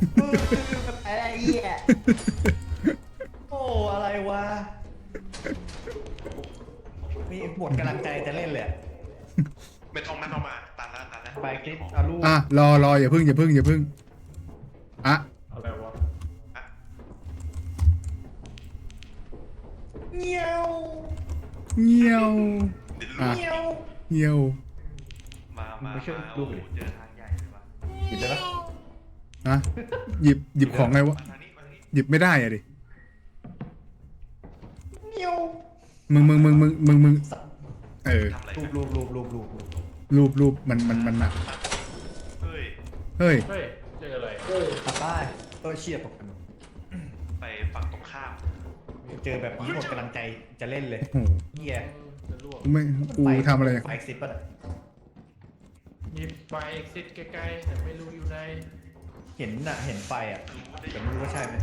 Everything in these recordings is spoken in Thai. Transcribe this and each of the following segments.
อะไรเหี้ยโอ้อะไรวะมีหมดกำลังใจจะเล่นเลยไม่ต้องมันออกมาตันแล้วไปคลิปเอาลูกรออย่าพึ่งอ่ะอะไรวะอ่ะเงี้ยวเงี้ยวเดี๋ยวอ่ะเงี้ยวเงี้ยวมาไม่ช่วยโอ้ลูกเลยเจอทางใหญ่เลยว่ะหยิบได้ปะนะหยิบของไงวะมาทางนี้มาทางนี้หยิบไม่ได้อะดิเงี้ยวมึงเออทำอะไรรูกันรูปมันหนักเฮ้ยเฮ้ยเฮ้ยเจออะไรตัดได้ตัวเชียร์ตกกันไปฝั่งตรงข้ามเจอแบบนี้หมดกำลังใจจะเล่นเลยโอ้โหเหี้ยจะล่วงกูทำอะไรไฟซิปอะมีไฟเอ็กซิสใกล้ๆแต่ไม่รู้อยู่ในเห็นน่ะเห็นไฟอ่ะแต่ไม่รู้ว่าใช่ไหม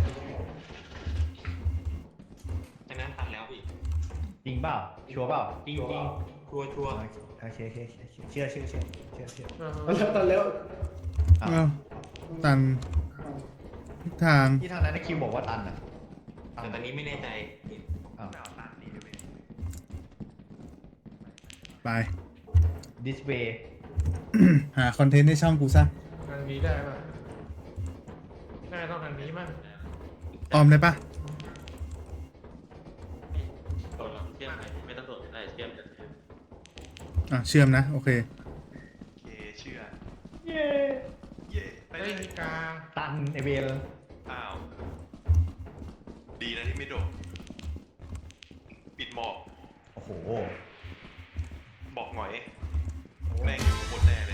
ไอ้นั้นตัดแล้วพี่จริงเปล่าชัวร์เปล่าจริงจริงชัวร์ชัวร์โอเคเชื่อตัดแล้วอ้าวอ้าวตันทุกทางที่ทางนั้นคิวบอกว่าตันอ่ะแต่ตอนนี้ไม่แน่ใจอ้าวไม่เอาตันนี่ด้วยไปดิสเวย์หาคอนเทนต์ในช่องกูซะทางนี้ได้ป่ะน่าต้องทางนี้มั้งออมได้ปะตดเราเชื่อมไหมไม่ต้องตดได้เชื่อมกันอ่ะเชื่อมนะโอเคโอเคเชื่อเย้เย่ไปเลเฮ้ยยมีกาตันไอเวลอ้าวดีนะที่ไม่โดดปิดหมอกโอ้โหบอกหน่อยแม่งหมดแน่เลย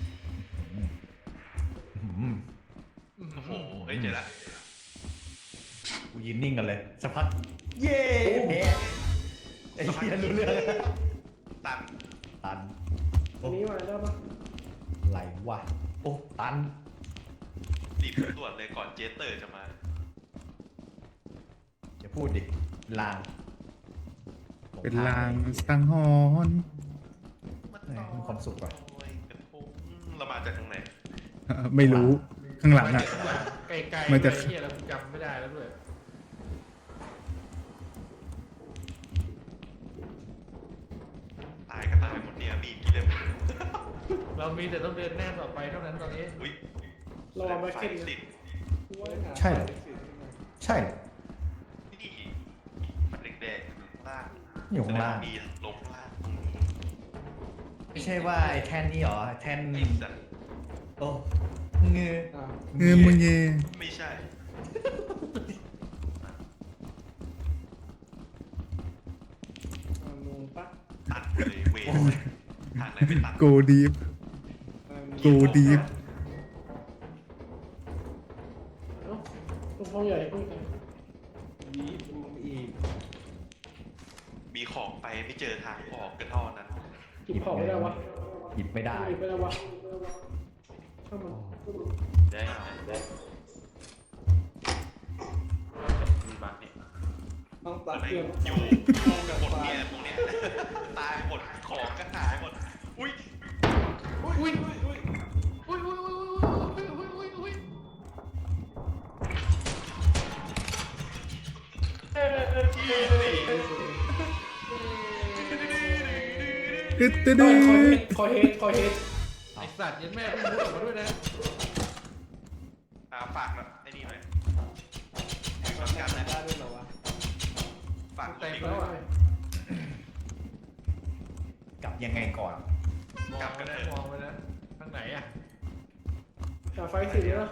อืมโอ้โหเฮ้ยเจอละกูยืนนิ่งกันเลยสักพักเย้แพ้ไอ้เหี้ยรู้เรื่องตันตันตรงนี้มาได้ปะไหลวะโอ้ตันรีบตรวจเลยก่อนเจสเตอร์จะมาอย่าพูดดิลางเป็นลางสังหรณ์มีความสุขว่ะโอ้ยกระทงเรามาจากทางไหนไม่รู้ข้างหลังอ่ะไกลๆมันจะเลยเฮียเราจำไม่ได้แล้วด้วยตายก็ตายหมดเนี่ยมีกี่เล่มเรามีแต่ต้องเดินหน้าต่อไปเท่านั้นตอนนี้อุ้ยรอมาไฟขึ้นติดใช่เหรอใช่เหรอนี่มันแดงๆล่างอยู่ข้างล่างมีลงล่างตรงนี้ไม่ใช่ว่าไอ้แท่นนี่หรอแท่นไอ้สัตว์โอ้เงือมึงเย่ไม่ใช่ ตัดเลยเวรทางไหนไม่ตัดโกดีฟโกดีฟต้องพ่อใหญ่พูดกันมีของไปไม่เจอทางออกกันเท่านั้นหยิบของไม่ได้วะหยิบไม่ได้หยิบไม่ได้วะเข้ามาได้ได้มีบั๊กเนี่ยต้องตัดอะไรเครื่องอยู่กันหมดเนี่ยตรงเนี้ยตายหมดของก็หายหมดอุ้ยอุ้ยอุ้ยอุ้ยอุ้ยอุ้ยอุ้ยอุ้ยอุ้ยตึ๊ดตึ๊ดคอยเฮดไอสัตว์ยันแม่พูดออกมาด้วยนะฝากนะไอ้นี่หน่อยฝากกันนะฝากแต่ลิงแล้วอ่ะกลับยังไงก่อนมองไปนะมองไปนะทางไหนอ่ะจากไฟสีแล้ว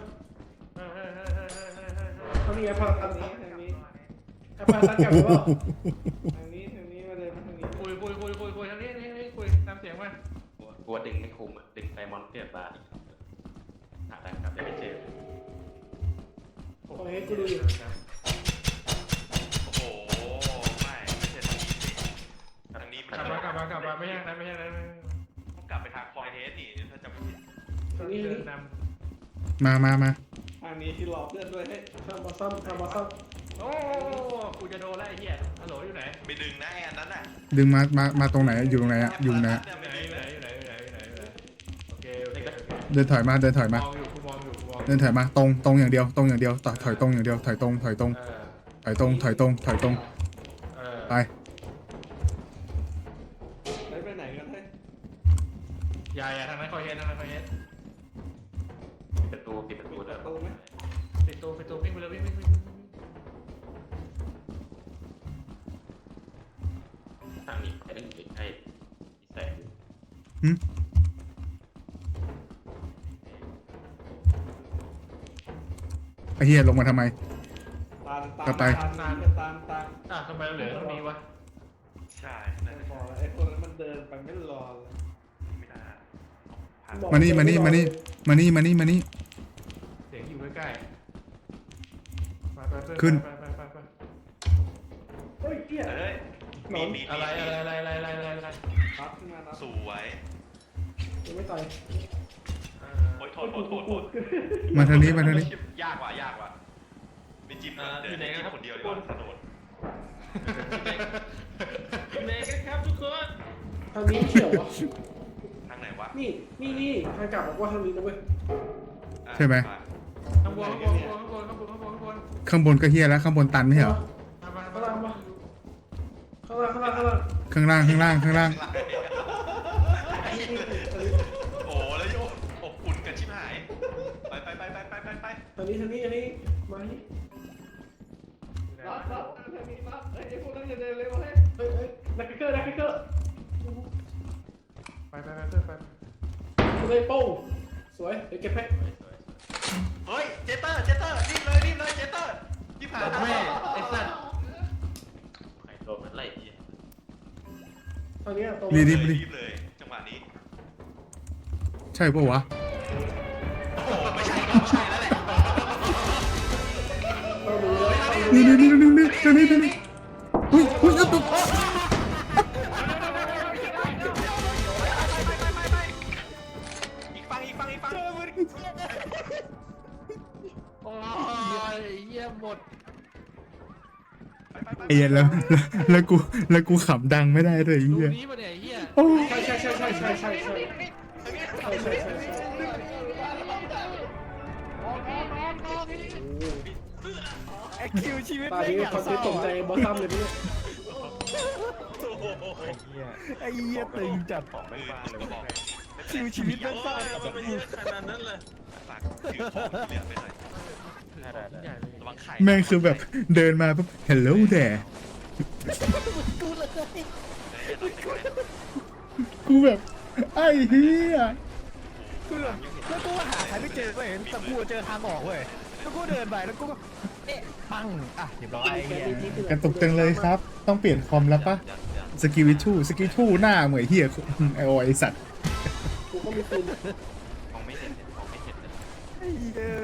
ทางนี้พาทางนี้พาทางกลับหรือเปล่าทางนี้มาเลยมาทางนี้คุยทางนี้คุยตามเสียงมากลัวดึงไม่คุมดึงไฟมอนเตอร์บาร์หาทางกลับได้ไม่เจอคอยเฮดกูดูอยู่โอ้โหไม่ใช่ทางนี้สิทางนี้มันกลับมาไม่ใช่นั้นต้องกลับไปทางคอยเทสนี่ถ้าจำไม่ผิดทางนี้เดินนมาทางนี้ที่รอเพื่อนด้วยให้ำทำมาซ่อมโอ้กูจะโดนแล้วไอ้เหี้ยฮัลโหลอยู่ไหนไปดึงนะไอ้อันนั้นน่ะดึงมาตรงไหนอยู่ตรงไหนอะอยู่ไหนอะอยู่ไหนโอเคเดินถอยมามองอยู่ดินถอยมาตรงอย่างเดียวถอยตรงอย่างเดียวถอยตรงถอยตรงเออถอยตรงถอยตรงถอยตรงเออไปไปไหนกันเฮ้ยอย่าทางนั้นคอยเฮ็ดทางนั้นคอยเฮ็ดปิดประตูเดินตู้ไหมปิดตัววิ่งไปเลยวิ่งทางนี้ไอ้เรื่องอีกไอ้แสงหึไอ้เหี้ยลงมาทำไม กลับไปตามอ่ะทำไมเราเหลือเท่านี้วะใช่ไม่นั่นพอแล้วไอ้คนนั้นมันเดินไปไม่รอเลยไม่ได้ผ่านมานี่มานี่มานี่มานี่มานี่มานี่เสียงอยู่ใกล้ๆไปขึ้นไปเฮ้ยเกี้ยเฮ้ยมีดอะไรปั๊บขึ้นมาแล้วสวยยังไม่ต่อยโอ้ยโทษมาทางนี้มาทางนี้ยากว่ะไม่จิ้มนะเดี๋ยวได้จิ้มคนเดียวดีกว่าถนนเมย์กันครับทุกคนทางนี้เขียววะทางไหนวะนี่ทางกลับบอกว่าทางนี้นะเว้ยใช่ไหมข้างบนข้างบนก็เหี้ยแล้วข้างบนตันไม่ใช่เหรอข้างล่างข้างล่างโอ้แล้วโยอบอุ่นกันชิบหายไปทางนี้มานี่รับทางนี้รับไอ้พวกนั้นอย่าเดินเร็วเฮ้ยนักเกอร์ไปเลยโป้งสวยเดี๋ยวเก็บให้เฮ้ยเจเตอร์รีบเลยเจเตอร์ที่ผ่านแม่ไอ้สัตว์ใครโดนมันไล่ที่ทางนี้ตรงรีรีบเลยจังหวะนี้ใช่ปะวะโอ้ไม่ใช่แล้วแหละต้องดูเลยนี่อุ้ยเอาตัวอีกฝั่งโอ้ยเยี่ยมหมดไอ้เหี้ยแล้วกูขำดังไม่ได้ด้วยไอ้ดูเหี้ยนี้มาเนี่ยเฮียโอ้ใช่คิวชีวิตตอนนี้คอนเทนต์ตกใจบอสซัมเลยเนี่ยไอ้เหี้ยตึงจัดของไม่บ้าเลยบอกคิวชีวิตไม่บ้าขนาดนั้นเลยฝากถือของที่เหลือไปหน่อยใหญ่เลยระวังไข่แม่งคือแบบเดินมาปุ๊บ hello there กูแบบไอ้เหี้ยคือแบบแล้วกูก็หาใครไม่เจอก็เห็นแต่กูเจอทางออกเว้ยแล้วกูเดินไปแล้วกูก็เอ๊ะปังอ่ะเรียบร้อยไอ้เหี้ยกระตุกจังเลยครับ ต้องเปลี่ยนคอมแล้วปะสกิลทูหน้าเหมือนเหี้ยไอ้สัตว์กูก็มีปืนของไม่เห็นเลยไอ้เหี้ย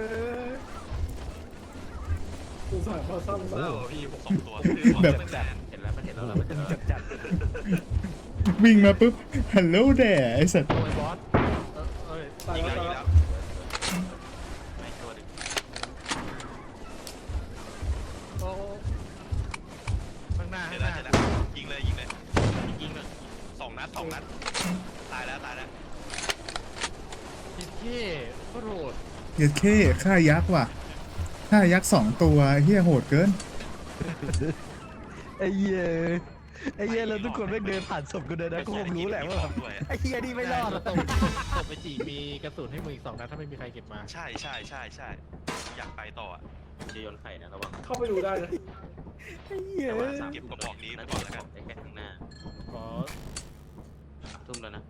กูสายบอสซัมโอ้พี่ผม2 ตัวแบบเห็นแล้วมันเห็นแล้วจัดวิ่งมาปุ๊บ hello there ไอ้สัตว์โอ้ยบอสเอ้ยตายยิงแล้วแล้วไม่ตัวดึงโอ้ข้างหน้าเห็ข้าน งหแล้วน้ายิงเลยยิงเลย 2 นัดตายแล้วจิตเท่โคตรโหดเหี้ยเข้ฆ่ายักษ์ว่ะฆ่ายักษ์2 ตัวเหี้ยโหดเกินไอ้เหี้ยแล้วทุกคนไม่เดินผ่านศพกูเดินนะกูคงรู้แหละว่าไอ้เหี้ยนี่ไม่รอดตบไปจีมีกระสุนให้มึงอีก2 นัดถ้าไม่มีใครเก็บมาใช่อยากไปต่ออ่ะจะโยนไข่นะระวังเข้าไปดูได้นะไอ้เหี้ยเก็บกระบอกนี้ไปก่อนแล้วกันแค่ข้างหน้าขอทุ่มแล้วนะ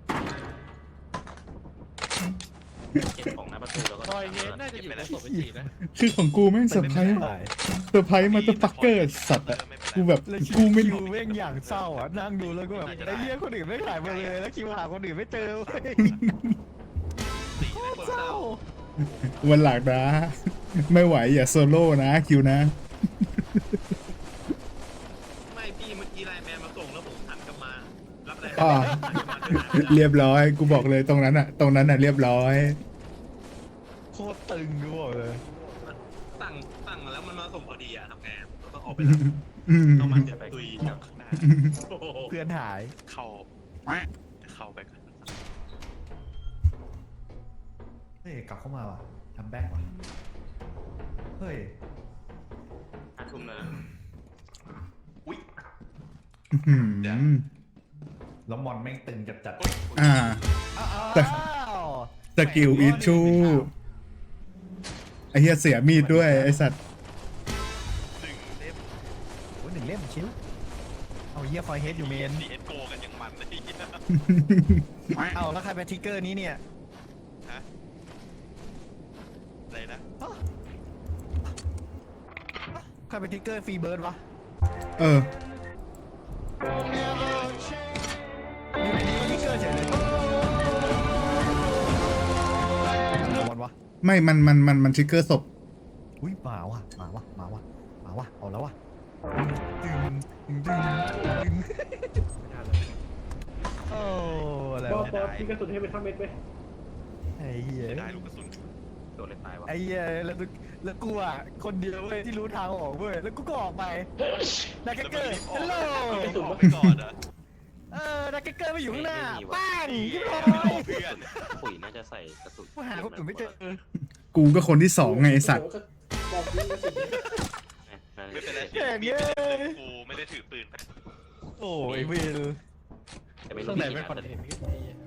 เก็บของหน้าประตูแล้วก็คอยเย็นน่าจะอยู่ในศพไปจีนะคือของกูแม่งเซอร์ไพรส์มาตัวปักเกอร์สัตว์อะกูแบบแล้วกูไม่คิวแม่งอย่างเศร้าอ่ะนั่งดูแล้วก็แบบไอ้เหี้ยคนอื่นไม่ถ่ายมาเลยแล้วคิวหาคนอื่นไม่เจอเว้ยเศร้าวันหลักนะ ไม่ไหวอย่าโซโล่นะคิวนะไม่พี่เมื่อกี้ไลน์แมนมาส่งแล้วผมหันกลับมารับอะไรอ่า เรียบร้อย กูบอกเลยตรงนั้นอ่ะเรียบร้อยโคตรตึงกูบอกเลยตั้งมาแล้วมันมาส่งพอดีอ่ะทำไงต้องออกไปอืมต้องมาเจ็บตุยจากข้างหน้าเพื่อนหายเข้าไปก่อนเฮ้ยกลับเข้ามาว่ะทำแบ็กว่ะเฮ้ย 5 ทุ่มแล้วอุ้ยอื้อหือแล้วมอนแม่งตึงจัดอ่าอ้าวสกิลอิชชูไอเฮียเสียมีดด้วยไอสัตว์โอ้ย1 เล่มชิวเอาเฮียไฟเฮดอยู่เมนดีเอ็นโกกันยังมันเลยเอาแล้วใครเป็นทิกเกอร์นี้เนี่ยฮะอะไรนะใครเป็นทิกเกอร์ฟรีเบิร์ดวะเอออยู่ในนี้ก็ทิกเกอร์เฉยเลยวันวะไม่มันทริกเกอร์ศพอุ้ยมาว่ะเอาแล้ววะดึงโอ้อะไรบอวะสพี่กระสุนให้ไปทำเม็ดไปไอ้เหี้ยได้ลูกกระสุนโดนเลยตายวะไอ้เหี้ยแล้วกูอ่ะคนเดียวเว้ยที่รู้ทางออกเว้ยแล้วกูก็ออกไปนักเกอร์ฮัลโหลออกไปก่อนอะนักเกอร์ไปอยู่ข้างหน้าป้างยิบร้อไม่รยอเพื่อนปุ๋ยน่าจะใส่กระสุนกูหาคนอื่นไม่เจอกูก็คนที่สองไงไอสัตว์บอกยิงกระสุนไม่เป็นไรแข่งมีเย้ดกูไม่ได้ถือปืนโอ้ยวิลแต่ไม่ข้ารู้งไหนมีไม่กี่คอนนัดเทนต์